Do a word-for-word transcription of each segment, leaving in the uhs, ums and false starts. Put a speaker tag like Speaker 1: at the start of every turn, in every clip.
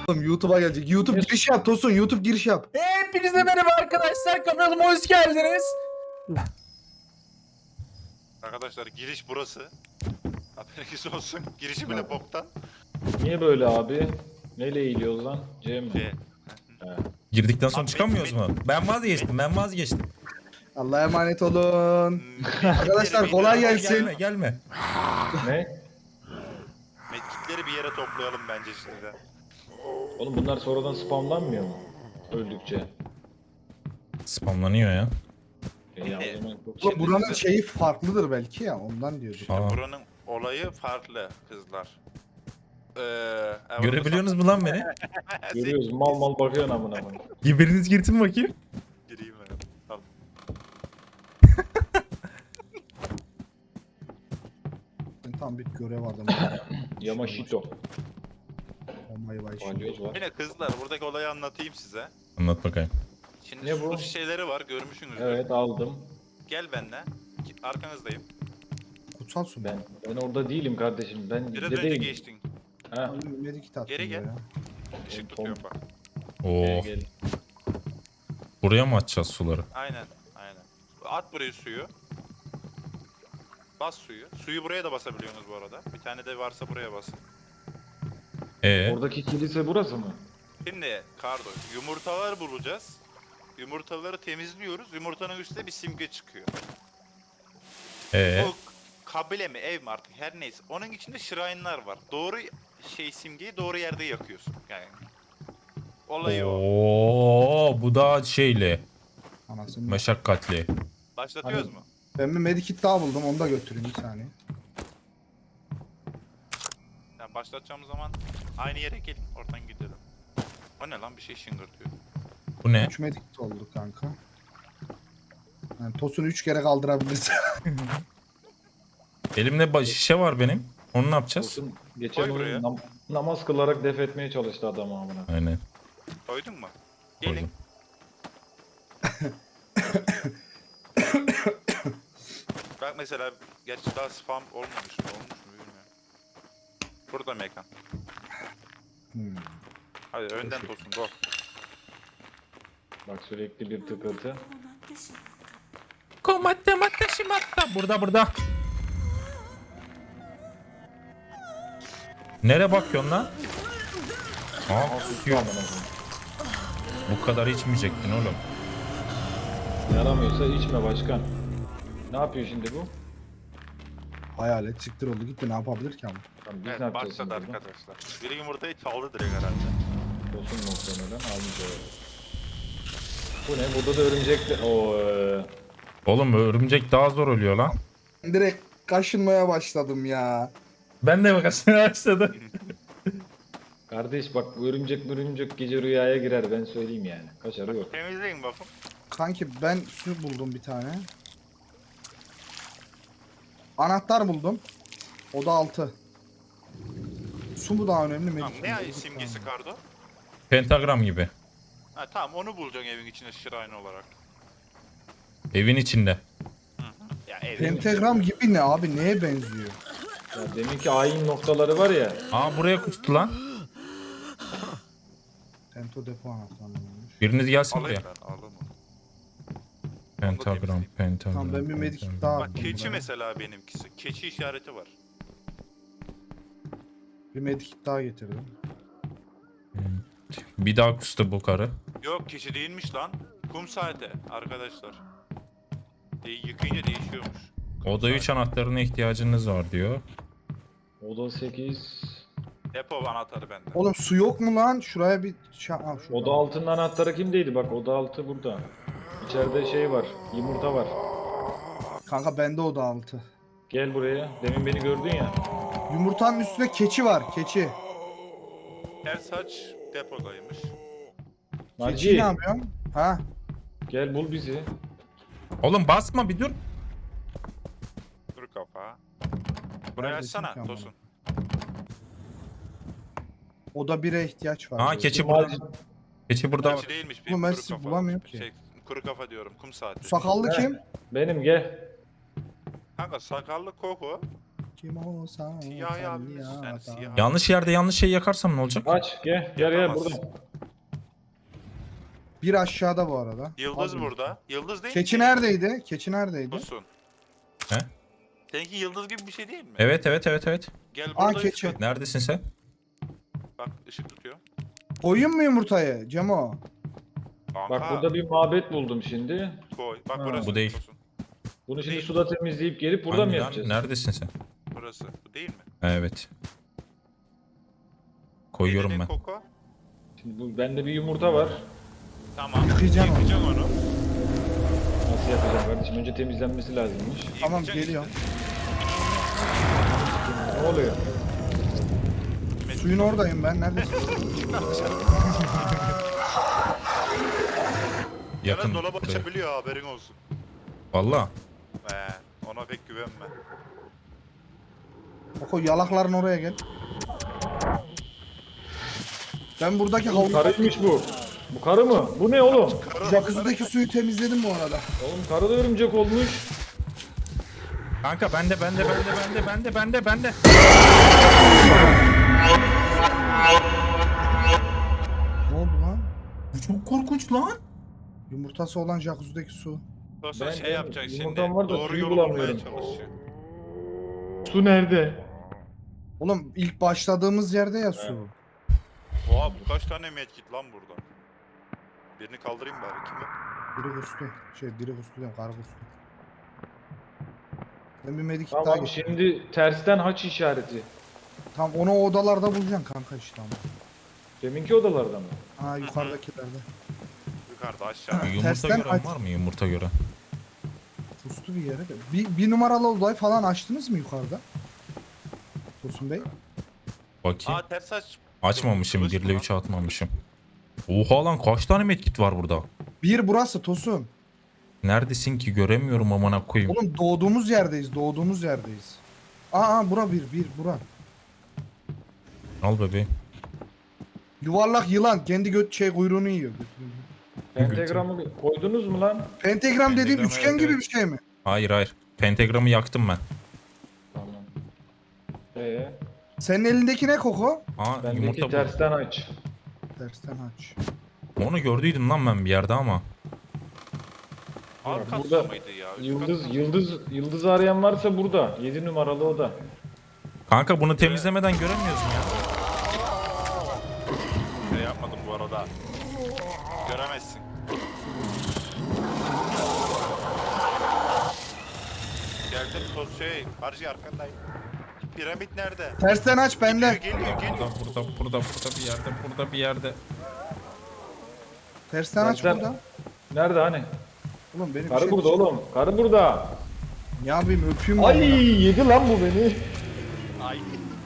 Speaker 1: Oğlum YouTube'a gelecek. YouTube giriş yap Tosun. YouTube giriş yap.
Speaker 2: Hepinize merhaba arkadaşlar, kanalıma hoş geldiniz.
Speaker 3: Arkadaşlar giriş burası. Haberiniz olsun. Girişi bile boktan.
Speaker 4: Niye böyle abi? Neyle eğiliyoruz lan? C mi?
Speaker 3: C.
Speaker 5: Girdikten sonra
Speaker 3: Abi,
Speaker 5: çıkamıyoruz
Speaker 3: ben-
Speaker 5: mu? Ben vazgeçtim, ben vazgeçtim.
Speaker 1: Allah'a emanet olun. Arkadaşlar, kolay gelsin.
Speaker 5: Gelme, gelme.
Speaker 4: Ne?
Speaker 3: Medkitleri bir yere toplayalım bence şimdi.
Speaker 4: Oğlum bunlar sonradan spamlanmıyor mu? Öldükçe.
Speaker 5: Spamlanıyor ya.
Speaker 4: E ya,
Speaker 3: Evet.
Speaker 4: o zaman çok-
Speaker 1: Oğlum buranın şeyi farklıdır belki ya. Ondan diyordu.
Speaker 5: Aa.
Speaker 3: Buranın olayı farklı kızlar. Ee, evet,
Speaker 5: Görebiliyorsunuz mu lan beni?
Speaker 4: Görüyoruz, mal mal bakıyorsun amına koyayım.
Speaker 5: Biriniz girsin bakayım.
Speaker 3: Gireyim ben. Tamam.
Speaker 1: Tam bir görev vardı.
Speaker 4: Yamashito.
Speaker 1: Olmayı vay şimdi.
Speaker 4: Balyoz var.
Speaker 3: Yine kızlar buradaki olayı anlatayım size.
Speaker 5: Anlat bakayım.
Speaker 3: Şimdi
Speaker 4: Ne
Speaker 3: su
Speaker 4: bu?
Speaker 3: şişeleri var görmüşsünüzdür.
Speaker 4: Evet aldım.
Speaker 3: Gel benimle. Arkanızdayım.
Speaker 1: Kutsal su.
Speaker 4: Ben ben orada değilim kardeşim. Ben
Speaker 3: Biraz önce
Speaker 4: dedeyim.
Speaker 3: geçtin.
Speaker 4: Ha.
Speaker 1: Medikit attım
Speaker 3: Geri gel.
Speaker 1: ya.
Speaker 3: Işık
Speaker 4: Tom-
Speaker 3: tutuyor bak.
Speaker 4: Gel,
Speaker 5: Oo,
Speaker 4: gel.
Speaker 5: buraya mı atacağız suları?
Speaker 3: Aynen. Aynen. At buraya suyu. Bas suyu. Suyu buraya da basabiliyorsunuz bu arada. Bir tane de varsa buraya basın.
Speaker 5: Ee,
Speaker 4: Oradaki kilise burası mı?
Speaker 3: Şimdi Kardo, yumurtalar bulacağız. Yumurtaları temizliyoruz. Yumurtanın üstüne bir simge çıkıyor.
Speaker 5: ee,
Speaker 3: O kabile mi, ev mi artık her neyse. Onun içinde shrine'lar var. Doğru şey simgeyi doğru yerde yakıyorsun. Yani olayı o.
Speaker 5: Oo, bu da şeyli,
Speaker 1: Anasını.
Speaker 5: meşakkatli.
Speaker 3: Başlatıyoruz
Speaker 4: Hani-
Speaker 3: mu?
Speaker 1: Ben bir medikit daha buldum. Onu da götüreyim bir saniye.
Speaker 3: Yani başlatacağımız zaman aynı yere gelin. Oradan gidelim. O ne lan bir şey şıngırtıyor.
Speaker 5: Bu ne?
Speaker 1: üç medikit oldu kanka. Yani Tosun'u üç kere kaldırabiliriz.
Speaker 5: Elimde ba- şişe var benim. Onu ne yapacağız?
Speaker 4: Olsun. Geçen
Speaker 3: Koy buraya.
Speaker 4: oyun nam- namaz kılarak def etmeye çalıştı adam amına.
Speaker 5: Aynen.
Speaker 3: Koydun mu? Gelin.
Speaker 5: Koydum.
Speaker 3: Bak mesela gerçi daha spam olmamış mı? Olmuş mu bilmiyorum. Burada mekan.
Speaker 1: Hmm.
Speaker 3: Hadi önden tosun go.
Speaker 4: Bak sürekli bir tıkırtı.
Speaker 5: Komatte matte şimatta. Burada burada. Nereye bakıyorsun lan? Aa, kusuyor.
Speaker 4: Amına koyayım.
Speaker 5: Bu kadar içmeyecektin oğlum.
Speaker 4: Yaramıyorsa içme başkan. Ne yapıyor şimdi bu?
Speaker 1: Hayalet siktir oldu gitti. Ne yapabilir ki ama?
Speaker 4: Tamam, biz ne
Speaker 3: Evet
Speaker 4: yapacağız
Speaker 3: başladı
Speaker 4: şimdi burada?
Speaker 3: arkadaşlar. Biri yumurtayı çaldı direkt herhalde.
Speaker 4: Tosun muhtemelen almış öyle. Bu ne? Burada da örümcek de... Oo, eee.
Speaker 5: Oğlum örümcek daha zor ölüyor lan.
Speaker 1: Direkt kaşınmaya başladım ya.
Speaker 5: Ben de bakasına başladım.
Speaker 4: Kardeş bak bu örümcek örümcek gece rüyaya girer ben söyleyeyim yani. Kaçarı yok.
Speaker 3: Temizleyin bakın.
Speaker 1: Kanki ben su buldum bir tane. Anahtar buldum. O da altı. Su mu daha önemli
Speaker 3: Tamam,
Speaker 1: medikit?
Speaker 3: ne
Speaker 1: mi?
Speaker 3: ay simgesi Kardo?
Speaker 5: Pentagram gibi.
Speaker 3: Ha tamam onu bulacaksın evin içinde shrine olarak.
Speaker 5: Evin içinde.
Speaker 3: Ya ev.
Speaker 1: Pentagram gibi ne abi? Neye benziyor?
Speaker 4: Ya demin ki ayin noktaları var ya.
Speaker 5: Aa, buraya kustu lan.
Speaker 1: Tento depo anahtarıymış.
Speaker 5: Biriniz gelsin
Speaker 3: Alayım
Speaker 5: buraya.
Speaker 3: ben alalım.
Speaker 5: Pentagram, pentagram.
Speaker 1: Tamam ben bir medikit
Speaker 5: pentagram.
Speaker 1: daha
Speaker 3: Bak
Speaker 1: attım
Speaker 3: keçi
Speaker 1: buraya.
Speaker 3: mesela benimkisi. Keçi işareti var.
Speaker 1: Bir medikit daha getirdim.
Speaker 5: Bir daha kustu bu karı.
Speaker 3: Yok keçi değilmiş lan. Kum saati arkadaşlar. De yıkayınca değişiyormuş. Kum
Speaker 5: Oda üç
Speaker 3: saati.
Speaker 5: anahtarına ihtiyacınız var diyor.
Speaker 4: Oda sekiz.
Speaker 3: Depo anahtarı bende.
Speaker 1: Oğlum su yok mu lan? Şuraya bir şey... Ha, şurada.
Speaker 4: Oda altının anahtarı kimdeydi? Bak oda altı burada. İçeride şey var. Yumurta var.
Speaker 1: Kanka bende oda altı.
Speaker 4: Gel buraya. Demin beni gördün ya.
Speaker 1: Yumurtanın üstünde keçi var. Keçi.
Speaker 3: Her saç depodaymış.
Speaker 1: Keçi
Speaker 4: Naci
Speaker 1: ne yapıyorsun? Ha?
Speaker 4: gel bul bizi.
Speaker 5: Oğlum basma bir dur.
Speaker 3: Kuru kafa. Burayı
Speaker 1: Neredesin
Speaker 3: açsana
Speaker 1: ki ama?
Speaker 3: Tosun.
Speaker 1: Oda bire ihtiyaç var.
Speaker 5: Aa,
Speaker 1: diyor.
Speaker 5: keçi
Speaker 4: Naci-
Speaker 5: burada. Keçi burada.
Speaker 3: Keçi değilmiş.
Speaker 1: Oğlum ben
Speaker 3: kuru
Speaker 1: sizi
Speaker 3: kafa.
Speaker 1: bulamıyorum ki.
Speaker 3: Şey, kuru kafa diyorum. Kum saati.
Speaker 1: Sakallı
Speaker 4: He.
Speaker 1: kim?
Speaker 4: Benim gel.
Speaker 3: Kanka sakallı Koko.
Speaker 1: Kim olsa
Speaker 3: Siyah yanlış. Yani siyah.
Speaker 5: Yanlış yerde yanlış şey yakarsam ne olacak?
Speaker 4: Aç gel gel gel
Speaker 3: Yapamaz.
Speaker 4: burada.
Speaker 1: Bir aşağıda bu arada.
Speaker 3: Yıldız
Speaker 1: Al
Speaker 3: burada. Yıldız değil
Speaker 1: Keçi
Speaker 3: mi?
Speaker 1: neredeydi? Keçi neredeydi?
Speaker 3: Busun.
Speaker 5: He?
Speaker 3: Seninki yıldız gibi bir şey değil mi?
Speaker 5: Evet evet evet evet.
Speaker 3: Gel
Speaker 1: Aa,
Speaker 3: burada
Speaker 1: keçi.
Speaker 3: ışık-
Speaker 5: Neredesin sen?
Speaker 3: Bak ışık tutuyor.
Speaker 1: Koyayım mı yumurtayı Cemo?
Speaker 3: Kanka,
Speaker 4: Bak burada bir mabet buldum şimdi.
Speaker 3: koy. Bak
Speaker 1: Ha,
Speaker 3: burası.
Speaker 5: bu değil.
Speaker 3: Tosun.
Speaker 4: Bunu şimdi
Speaker 3: Değil.
Speaker 4: suda temizleyip gelip burada
Speaker 5: Hangi
Speaker 4: mı
Speaker 5: lan?
Speaker 4: yapacağız?
Speaker 5: Neredesin sen?
Speaker 3: Burası. Bu değil mi?
Speaker 5: Evet. Koyuyorum
Speaker 3: Elini
Speaker 5: ben.
Speaker 3: Koko.
Speaker 4: Şimdi bu, bende bir yumurta var.
Speaker 3: Tamam.
Speaker 1: Yıkayacağım onu.
Speaker 3: Yıkayacağım onu.
Speaker 4: Nasıl yapacağım kardeşim? Önce temizlenmesi lazımmış.
Speaker 1: Tamam
Speaker 3: Yıkayacaksın
Speaker 1: geliyorum.
Speaker 4: Ne oluyor?
Speaker 3: işte.
Speaker 1: Suyun oradayım ben. Neredesin?
Speaker 5: Yakın.
Speaker 3: Yalnız dolabı
Speaker 5: buraya.
Speaker 3: açabiliyor, haberin olsun.
Speaker 5: Valla.
Speaker 3: He, ona pek güvenme.
Speaker 1: Oko yalakların oraya gel. Ben buradaki
Speaker 4: Oğlum
Speaker 1: havlu
Speaker 4: karıymış bu. Bu karı mı? Bu ne oğlum?
Speaker 1: jacuzzi'deki suyu temizledim bu arada.
Speaker 4: Oğlum karı da örümcek olmuş.
Speaker 5: Kanka bende bende bende bende bende bende bende.
Speaker 1: Ne oldu lan?
Speaker 5: Bu çok korkunç lan.
Speaker 1: Yumurtası olan jacuzzi'deki su.
Speaker 3: Dostum
Speaker 4: Ben-
Speaker 3: şey
Speaker 4: ben
Speaker 3: yapacaksın şimdi.
Speaker 4: yumurtam var da
Speaker 3: Doğru
Speaker 4: suyu
Speaker 3: yolu bulmaya
Speaker 4: bulamıyorum.
Speaker 3: çalışıyor.
Speaker 4: Su nerede?
Speaker 1: Oğlum ilk başladığımız yerde ya su.
Speaker 3: Oha bu kaç tane medkit lan burada? Birini kaldırayım bari. Kim o?
Speaker 1: Biri kustu. Şey biri kustu diyorum karı kustu. Ben bir medikit daha
Speaker 4: Tamam
Speaker 1: getireyim.
Speaker 4: şimdi tersten haç işareti.
Speaker 1: Tam onu o odalarda bulacaksın kanka işte ama.
Speaker 4: Deminki odalarda mı?
Speaker 1: Ha yukarıdakilerde.
Speaker 3: Yukarıda aşağıda.
Speaker 5: Yumurta
Speaker 1: Tersten
Speaker 5: gören
Speaker 1: aç.
Speaker 5: var mı yumurta gören?
Speaker 1: Kustu bir yere de. Bir, bir numaralı odayı falan açtınız mı yukarıda? Tosun Bey.
Speaker 5: Bakayım.
Speaker 3: Aa ters aç.
Speaker 5: Açmamışım.
Speaker 3: Kılıç
Speaker 5: bir
Speaker 3: mı
Speaker 5: ile
Speaker 3: lan?
Speaker 5: üç atmamışım. Oha lan kaç tane medkit var burada?
Speaker 1: Bir burası Tosun.
Speaker 5: Neredesin ki göremiyorum amına koyayım.
Speaker 1: Oğlum doğduğumuz yerdeyiz. Doğduğumuz yerdeyiz. Aa, aa bura bir bir bura.
Speaker 5: Al bebeğim.
Speaker 1: Yuvarlak yılan kendi göt şey kuyruğunu yiyor.
Speaker 4: Pentagramı koydunuz mu lan?
Speaker 1: Pentagram dediğin
Speaker 5: Pentagram,
Speaker 1: üçgen
Speaker 5: evet,
Speaker 1: gibi
Speaker 5: evet.
Speaker 1: bir şey mi?
Speaker 5: Hayır hayır. Pentagramı yaktım ben.
Speaker 4: Tamam. Ee,
Speaker 1: Senin elindeki ne Koko?
Speaker 5: Aa
Speaker 4: bendeki
Speaker 5: yumurta bu.
Speaker 4: tersten aç.
Speaker 1: Tersten aç.
Speaker 5: Onu gördüydüm lan ben bir yerde ama.
Speaker 3: Alt kat
Speaker 4: burada
Speaker 3: su mıydı ya? Üst
Speaker 4: Yıldız
Speaker 3: kat mı?
Speaker 4: yıldız yıldız arayan varsa burada. yedi numaralı oda.
Speaker 5: Kanka bunu temizlemeden göremiyoruz mu ya?
Speaker 3: Şey yapmadım bu arada. Göremezsin. Geldim toz şey. Harcı arkandayım. Piramit nerede?
Speaker 1: Tersten aç bende.
Speaker 3: Geliyor geliyor geliyor.
Speaker 5: Burada burada burada burada bir yerde burada bir yerde.
Speaker 1: Tersten aç
Speaker 4: Tersten-
Speaker 1: burada.
Speaker 4: Nerede hani?
Speaker 1: Oğlum benim
Speaker 4: Karı
Speaker 1: şey-
Speaker 4: burada oğlum. Karı burada.
Speaker 1: Ne yapayım öpeyim mi?
Speaker 4: Ay
Speaker 1: onu?
Speaker 4: yedi lan bu beni.
Speaker 3: Ay.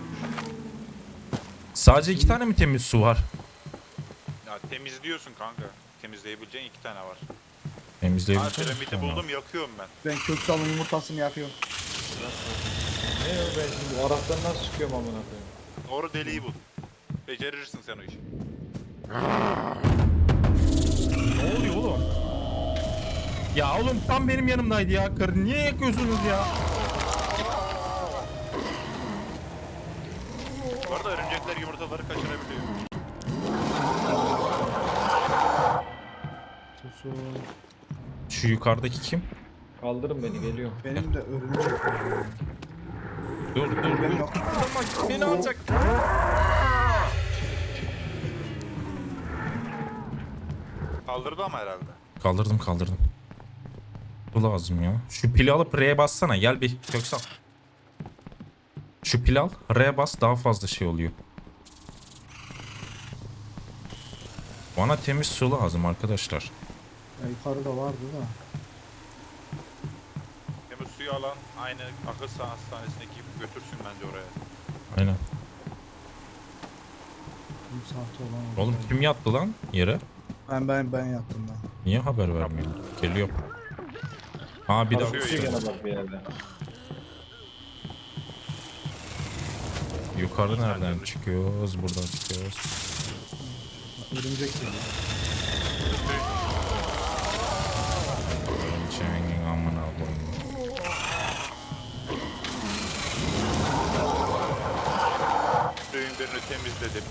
Speaker 5: Sadece iki tane mi temiz su var?
Speaker 3: Ya temizliyorsun kanka. Temizleyebileceğin iki tane var. Ha
Speaker 5: Temizleyebileceğim.
Speaker 3: piramidi buldum yakıyorum ben.
Speaker 1: Ben köksalın yumurtasını yakıyorum.
Speaker 4: Ne o ben şimdi bu Arap'tan nasıl çıkıyorum amına koyayım?
Speaker 3: Doğru deliği bul. Becerirsin sen o işi.
Speaker 5: Ne oluyor oğlum? Ya oğlum tam benim yanımdaydı ya. Karı niye yakıyorsunuz ya?
Speaker 3: Bu arada örümcekler yumurtaları kaçırabiliyor.
Speaker 1: Tosun.
Speaker 5: Şu yukarıdaki kim?
Speaker 4: Kaldırın beni geliyorum.
Speaker 1: Benim de örümcek var.
Speaker 5: Dur dur dur.
Speaker 1: Ben yok.
Speaker 5: Beni alacak.
Speaker 3: Kaldırdı ama herhalde.
Speaker 5: Kaldırdım kaldırdım. Bu lazım ya. Şu pili alıp R'ye bassana. Gel bir Köksal. Şu pil al. R'ye bas daha fazla şey oluyor. Bana temiz su lazım arkadaşlar.
Speaker 1: Ya yukarıda vardı da.
Speaker 3: Temiz suyu alan aynı akıl hastanesindeki gibi götürsün bence oraya.
Speaker 5: Aynen.
Speaker 1: Bir saati olan oldu.
Speaker 5: Oğlum kim yattı lan yere?
Speaker 1: Ben ben ben yattım ben.
Speaker 5: Niye haber vermiyor? Geliyor. Aa bir daha.
Speaker 3: Kasıyor
Speaker 4: Kasıyor
Speaker 3: ya.
Speaker 4: gene bak bir yerde.
Speaker 5: Yukarı nereden çıkıyoruz? Buradan çıkıyoruz.
Speaker 1: Örümcek geliyor.
Speaker 5: Çengin amına koyayım.
Speaker 3: Alevin birini temizledim.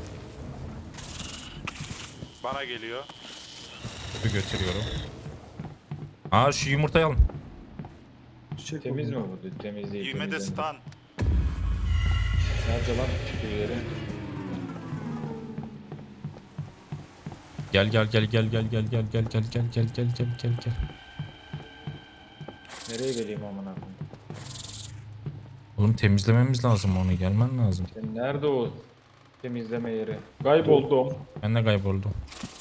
Speaker 3: Bana geliyor.
Speaker 5: Bir götürüyorum. Aa şu yumurtayı alın.
Speaker 1: Çiçek
Speaker 4: Temiz mi
Speaker 1: oldu.
Speaker 4: bu? Temiz değil.
Speaker 3: Yeme de
Speaker 4: temiz değil.
Speaker 3: stun.
Speaker 4: Nerede lan çıkıyor yeri?
Speaker 5: Gel gel gel gel gel gel gel gel gel gel gel gel gel gel gel.
Speaker 4: Nereye geleyim amına koyayım?
Speaker 5: Oğlum temizlememiz lazım onu, gelmen lazım.
Speaker 4: Sen nerede o temizleme yeri? Kayboldum.
Speaker 5: Ben de kayboldum.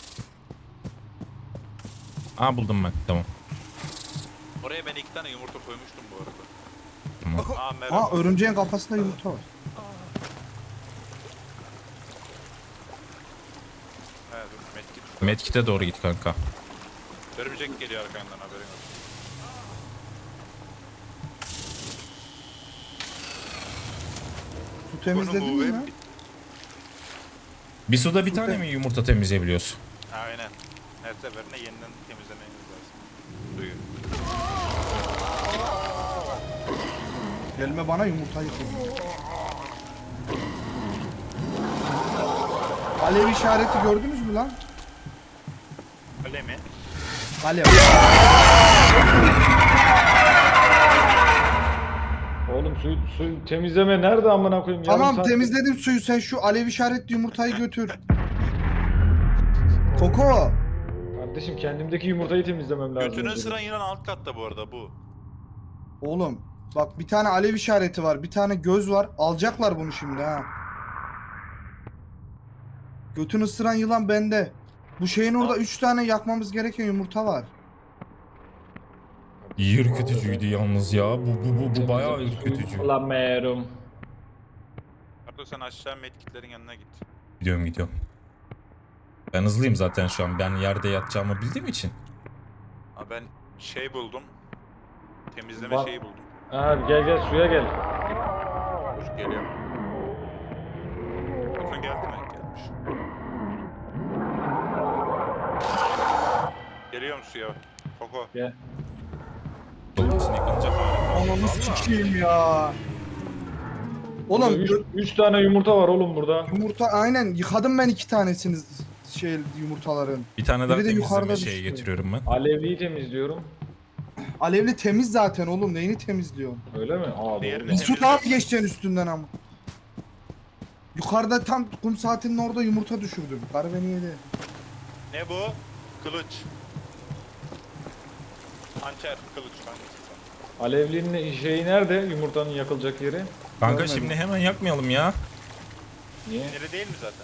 Speaker 5: Aa buldum ben, tamam.
Speaker 3: Oraya ben iki tane yumurta koymuştum bu arada.
Speaker 5: Tamam.
Speaker 3: Aa merhaba.
Speaker 1: Aa örümceğin kafasında yumurta var.
Speaker 3: Evet, dur, medkit.
Speaker 5: Medkit'e doğru git kanka.
Speaker 3: Örümcek geliyor arkandan, haberin olsun.
Speaker 1: Su temizledin
Speaker 3: Bunu
Speaker 1: mi
Speaker 3: bu
Speaker 1: ya?
Speaker 3: hep-
Speaker 5: Bir suda bir tane mi yumurta temizleyebiliyorsun?
Speaker 3: Aynen. Her seferinde yeniden temizlemeniz lazım. Suyu.
Speaker 1: Gelme bana yumurtayı koy. Alev işareti gördünüz mü lan?
Speaker 3: Öyle mi?
Speaker 1: Alev.
Speaker 4: Oğlum su, su temizleme nerede amına koyayım? Yarım
Speaker 1: Tamam
Speaker 4: saat-
Speaker 1: temizledim suyu, sen şu alev işaretli yumurtayı götür. Koko.
Speaker 4: Kardeşim kendimdeki yumurtayı temizlemem lazım.
Speaker 3: Götünün
Speaker 4: önce.
Speaker 3: sıran yılan alt katta bu arada bu.
Speaker 1: Oğlum bak bir tane alev işareti var, bir tane göz var. Alacaklar bunu şimdi ha. Götünü ısıran yılan bende. Bu şeyin orada üç tane yakmamız gereken yumurta var.
Speaker 5: Ürkütücüydü yalnız ya. Bu bu bu, bu bayağı
Speaker 4: Temizleme
Speaker 5: ürkütücü.
Speaker 4: suyu kullanmıyorum.
Speaker 3: Arda sen aşağı medkitlerin yanına git.
Speaker 5: Gidiyorum gidiyorum. Ben hızlıyım zaten şu an. Ben yerde yatacağımı bildiğim için.
Speaker 3: Ha ben şey buldum. Temizleme
Speaker 4: Bak.
Speaker 3: şeyi buldum.
Speaker 4: Abi gel gel suya gel.
Speaker 3: Dur geliyor. Bakın geldi mi? Gelmiş. Geliyorum suya. Koko.
Speaker 4: Gel.
Speaker 5: Dolmasını yıkanacak hali.
Speaker 1: Ananı sikeyim ya. Oğlum
Speaker 4: üç,
Speaker 1: gö-
Speaker 4: üç tane yumurta var oğlum burada.
Speaker 1: yumurta aynen yıkadım ben iki tanesini şey yumurtaların.
Speaker 5: Bir tane daha
Speaker 1: Biri de
Speaker 5: temizleme
Speaker 1: yukarıda
Speaker 5: şeyi
Speaker 1: düştü.
Speaker 5: getiriyorum ben.
Speaker 4: Alevliyi temizliyorum.
Speaker 1: Alevli temiz zaten oğlum, neyini temizliyorsun?
Speaker 4: Öyle mi? Aa
Speaker 3: Diğerini
Speaker 4: doğru.
Speaker 1: Bir
Speaker 3: Temizle.
Speaker 1: su daha mı geçeceksin üstünden ama? Yukarıda tam kum saatinin orada yumurta düşürdüm. Karı beni yedi.
Speaker 3: Ne bu? Kılıç. Hançer, kılıç hangisi sen?
Speaker 4: Alevlinin şeyi nerede? Yumurtanın yakılacak yeri.
Speaker 5: Kanka
Speaker 1: Görmedim.
Speaker 5: şimdi hemen yakmayalım ya.
Speaker 4: Niye?
Speaker 3: Sinirli değil mi zaten?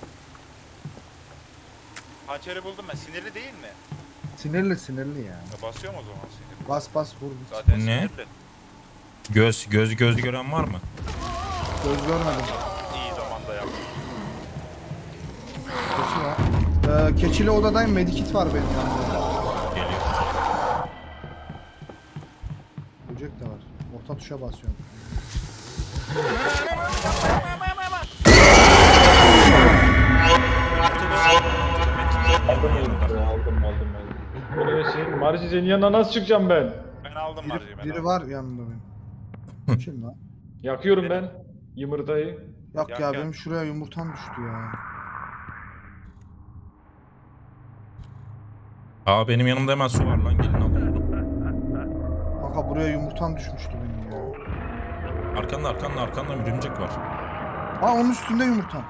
Speaker 3: Hançeri buldum ben. Sinirli değil mi?
Speaker 1: Sinirli sinirli ya.
Speaker 3: Ya basıyorum o zaman sinirli.
Speaker 1: Bas bas vur.
Speaker 3: Zaten
Speaker 5: Ne?
Speaker 3: sinirli.
Speaker 5: Göz göz göz gören var mı?
Speaker 1: Göz görmedim.
Speaker 3: İyi zamanda yaptım.
Speaker 1: Keçi var. Ee, keçili odadayım, medikit var benim yanımda.
Speaker 5: Geliyor.
Speaker 1: Böcek de var. Orta tuşa basıyorum.
Speaker 4: Aldım yumurtayı, aldım aldım aldım. Böyle şey, Marci senin yanına nasıl çıkacağım ben?
Speaker 3: Ben aldım
Speaker 1: Biri,
Speaker 3: marjayı ben
Speaker 1: biri
Speaker 3: aldım.
Speaker 1: var yanımda benim. Kim lan?
Speaker 4: Yakıyorum ben yumurtayı.
Speaker 1: Yok
Speaker 3: Yak,
Speaker 1: ya
Speaker 3: yak.
Speaker 1: benim şuraya yumurtam düştü ya.
Speaker 5: Aa benim yanımda hemen su var lan, gelin alın bunu.
Speaker 1: Kanka buraya yumurtam düşmüştü benim ya.
Speaker 5: Arkanda arkanda arkanda örümcek var.
Speaker 1: Ha onun üstünde yumurtam.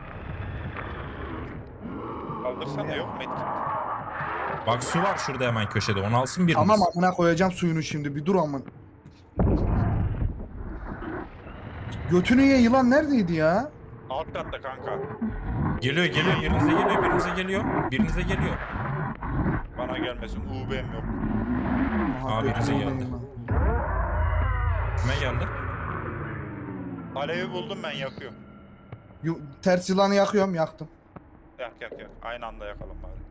Speaker 3: Kaldırsana yok medkit.
Speaker 5: Bak su var şurada hemen köşede, onu alsın biriniz.
Speaker 1: Tamam amına koyacağım suyunu şimdi, bir dur amın. Götünü ye yılan neredeydi ya?
Speaker 3: Alt katta kanka.
Speaker 5: Geliyor geliyor, birinize geliyor, birinize geliyor. Birinize geliyor.
Speaker 3: Bana gelmesin. U B'm yok.
Speaker 1: Aha,
Speaker 5: Abi,
Speaker 1: götünü
Speaker 5: bize
Speaker 1: ye
Speaker 5: geldi.
Speaker 1: yılan.
Speaker 5: Kime geldi?
Speaker 3: Alevi buldum ben yakıyorum.
Speaker 1: Yu- ters yılanı yakıyorum, yaktım.
Speaker 3: Yak yak yak. Aynı anda yakalım bari.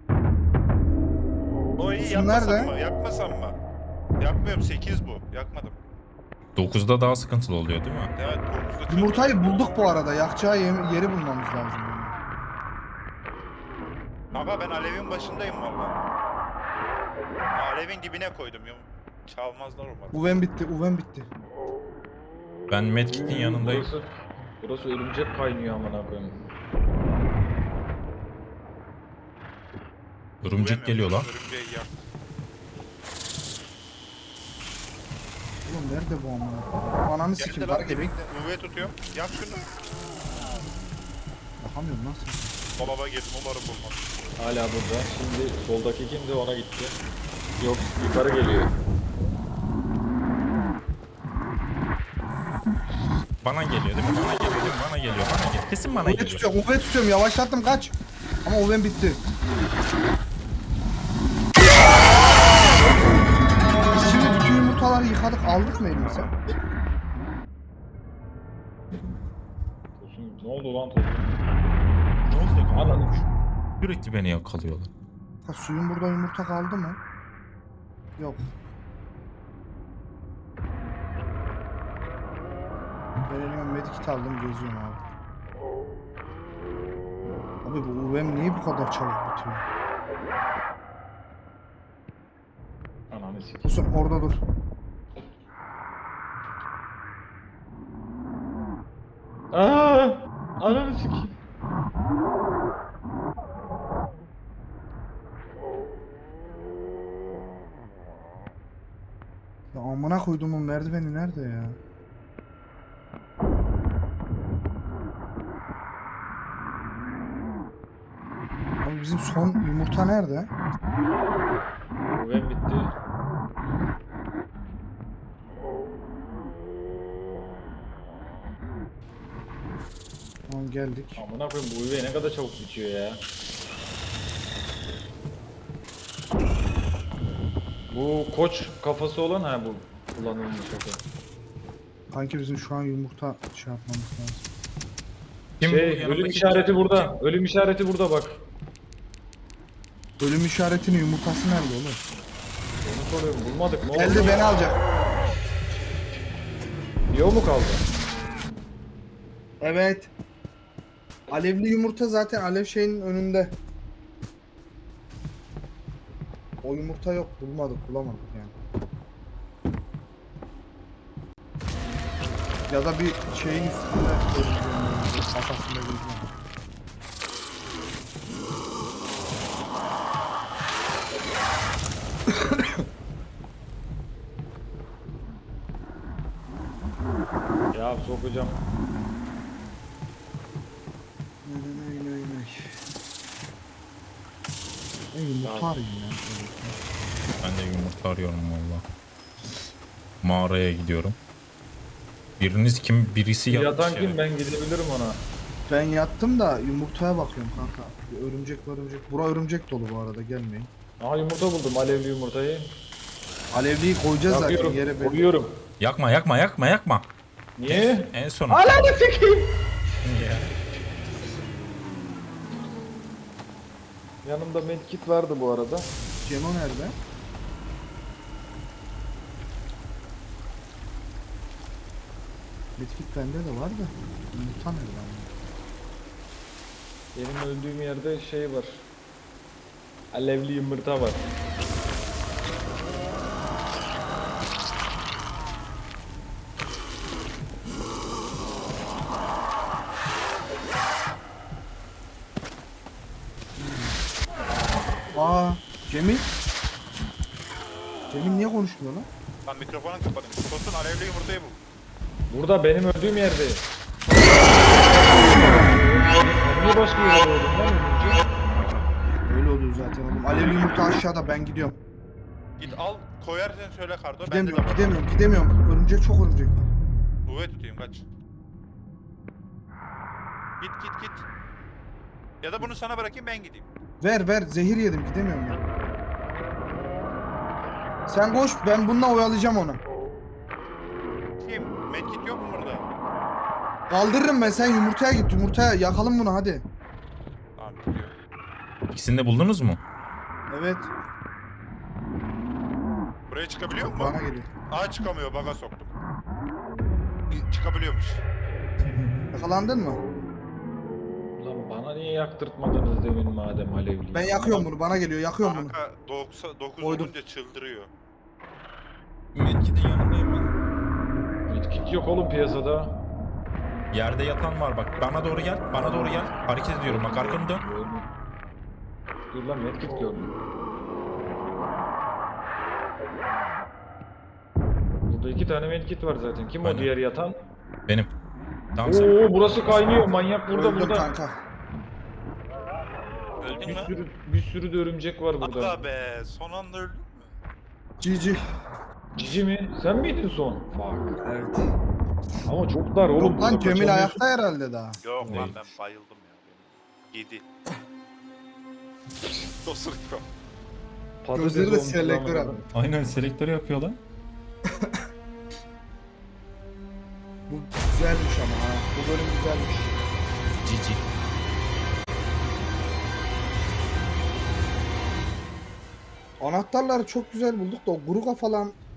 Speaker 3: O iyi
Speaker 1: Su
Speaker 3: yakmasam
Speaker 1: nerede?
Speaker 3: mı? Yakmasam mı? Yakmıyorum, sekiz bu. Yakmadım.
Speaker 5: dokuzda daha sıkıntılı oluyor değil mi?
Speaker 3: Evet dokuzda çok-
Speaker 1: Yumurtayı bulduk bu arada. Yakacağı yeri, yeri bulmamız lazım. benim.
Speaker 3: Kanka ben alevin başındayım valla. Alevin dibine koydum. Yum. Çalmazlar umarım.
Speaker 1: Uven bitti, uven bitti.
Speaker 5: Ben Medkit'in yanındayım.
Speaker 4: Burası, Burası örümcek kaynıyor amına koyayım.
Speaker 5: Örümcek geliyor lan.
Speaker 3: Örümceği yak.
Speaker 1: Oğlum nerede bu amına? Ananı
Speaker 3: Geldi
Speaker 1: sikim.
Speaker 3: lan
Speaker 1: Bak gelin.
Speaker 3: dibinde. U V tutuyorum. Yak şunu.
Speaker 1: Bakamıyorum nasıl?
Speaker 3: Dolaba girdim umarım bulmaz.
Speaker 4: Hala burada. Şimdi soldaki kimdi ona gitti. Yok yukarı geliyor.
Speaker 5: Bana geliyor değil mi? Bana geliyor değil mi? Bana geliyor. Bana geliyor. Kesin bana
Speaker 1: U V
Speaker 5: geliyor.
Speaker 1: tutuyorum. U V tutuyorum. Yavaşlattım kaç. Ama U V'm bitti. Biz şimdi bütün yumurtaları yıkadık. Aldık mı elimize?
Speaker 4: Tosun ne oldu lan Tosun?
Speaker 5: Ne olacak ama?
Speaker 4: Anladım.
Speaker 5: Sürekli beni yakalıyorlar.
Speaker 1: Ha, suyun burada yumurta kaldı mı? Yok. Ben elime medikit aldım geziyorum abi. Abi bu U V'm niye bu kadar çabuk bitiyor?
Speaker 4: Ananı sikeyim.
Speaker 1: Kusur orada dur.
Speaker 4: Aa! Ananı sikeyim.
Speaker 1: Ya amına koyduğumun merdiveni nerede ya? Abi bizim son yumurta nerede?
Speaker 4: Güven bitti.
Speaker 1: Tamam geldik.
Speaker 4: Amına koyayım bu üvey ne kadar çabuk bitiyor ya. Bu koç kafası olan ha bu kullanılmış şaka.
Speaker 1: Kanki bizim şu an yumurta şey yapmamız lazım.
Speaker 5: Kim bu
Speaker 4: Şey
Speaker 5: yanındaki
Speaker 4: ölüm işareti
Speaker 5: kim?
Speaker 4: burada. Ölüm işareti burada bak.
Speaker 1: Ölüm işaretinin yumurtası nerede oğlum?
Speaker 4: Onu soruyorum bulmadık mı?
Speaker 1: Geldi beni alacak.
Speaker 4: Yo mu kaldı?
Speaker 1: Evet. Alevli yumurta zaten alev şeyinin önünde. O yumurta yok. Bulmadık, bulamadık yani. Ya da bir şeyin üstünde kafasında gözüküyor.
Speaker 4: Ya sokacağım.
Speaker 1: Nay nay nay nay. Ben yumurta arayayım ya.
Speaker 5: Ben de yumurta arıyorum valla. Mağaraya gidiyorum. Biriniz kim? Birisi yatmış
Speaker 4: Yatan kim
Speaker 5: yere.
Speaker 4: ben gidebilirim ona.
Speaker 1: Ben yattım da yumurtaya bakıyorum kanka. Bir örümcek var örümcek. Bura örümcek dolu bu arada gelmeyin.
Speaker 4: Aha yumurta buldum alevli yumurtayı.
Speaker 1: Alevliyi koyacağız zaten
Speaker 4: Yakıyorum.
Speaker 1: yere belli.
Speaker 4: Koyuyorum.
Speaker 5: Yakma yakma yakma yakma.
Speaker 4: Niye?
Speaker 5: En son.
Speaker 4: Ananı sikeyim. Yanımda medkit vardı bu arada.
Speaker 1: Cemo nerede? Medkit bende de var da. Yumurta nerede ama?
Speaker 4: Benim öldüğüm yerde şey var. Alevli yumurta var.
Speaker 1: Aa, Cemil. Cemil niye konuşmuyor lan?
Speaker 3: Lan mikrofonu kapadım. Tosun alevli yumurtayı bul.
Speaker 4: Burada benim öldüğüm yerde. Niye başka yere öldüm lan ölünce?
Speaker 1: Öyle oluyor zaten oğlum. Alevli yumurta aşağıda ben gidiyorum.
Speaker 3: Git al koyarsın söyle kardo. Ben de
Speaker 1: Gidemiyorum,
Speaker 3: kapadım.
Speaker 1: gidemiyorum, gidemiyorum. Örümcek çok örümcek var.
Speaker 3: U V tutayım kaç. Git git git. Ya da bunu sana bırakayım ben gideyim.
Speaker 1: Ver ver, zehir yedim gidemiyorum ben. Sen koş, ben bununla oyalayacağım onu.
Speaker 3: Kim? Medkit yok mu burada?
Speaker 1: Kaldırırım ben, sen yumurtaya git, yumurtaya yakalım bunu hadi.
Speaker 3: Tamam gidiyor.
Speaker 5: İkisini de buldunuz mu?
Speaker 1: Evet,
Speaker 3: Buraya çıkabiliyor mu?
Speaker 1: bana geliyor.
Speaker 3: Aa çıkamıyor baga soktum. Çıkabiliyormuş.
Speaker 1: Yakalandın mı?
Speaker 4: Lan bana niye yaktırtmadınız demin madem alevli?
Speaker 1: Ben yakıyorum bunu, bana geliyor, yakıyorum bunu.
Speaker 3: Kanka dokuz
Speaker 1: Koydum.
Speaker 3: olunca çıldırıyor.
Speaker 5: Medkit'in yanındayım ben.
Speaker 4: Medkit yok oğlum piyasada.
Speaker 5: Yerde yatan var bak. Bana doğru gel. Bana doğru gel. Hareket ediyorum bak arkanı dön.
Speaker 4: Gördüm. Dur lan medkit gördüm. Burada iki tane medkit var zaten. Kim
Speaker 5: Aynen.
Speaker 4: o diğer yatan?
Speaker 5: Benim. Tamam sen.
Speaker 4: Oo burası kaynıyor. Manyak burada
Speaker 1: Öldüm
Speaker 4: burada.
Speaker 1: kanka.
Speaker 3: Öldün
Speaker 4: Bir
Speaker 3: mü?
Speaker 4: sürü bir sürü de örümcek var burada.
Speaker 3: Aga be son anda öldün mü?
Speaker 1: G G.
Speaker 4: Cici mi? Sen miydin son? Fuck.
Speaker 1: Evet.
Speaker 4: Ama çok dar oğlum.
Speaker 1: Yok lan
Speaker 4: burada
Speaker 1: Cemil
Speaker 4: kaçamıyorsun.
Speaker 1: ayakta herhalde daha.
Speaker 3: Yok lan
Speaker 5: Değil.
Speaker 3: ben bayıldım ya. Benim. Yedi. Osurtma.
Speaker 4: Patates
Speaker 1: Gözleri de
Speaker 4: olmuş
Speaker 1: selektör
Speaker 4: lan.
Speaker 1: abi.
Speaker 5: Aynen selektörü yapıyor lan.
Speaker 1: Bu güzelmiş ama ha. Bu bölüm güzelmiş.
Speaker 5: Cici.
Speaker 1: Anahtarları çok güzel bulduk da o Gruga falan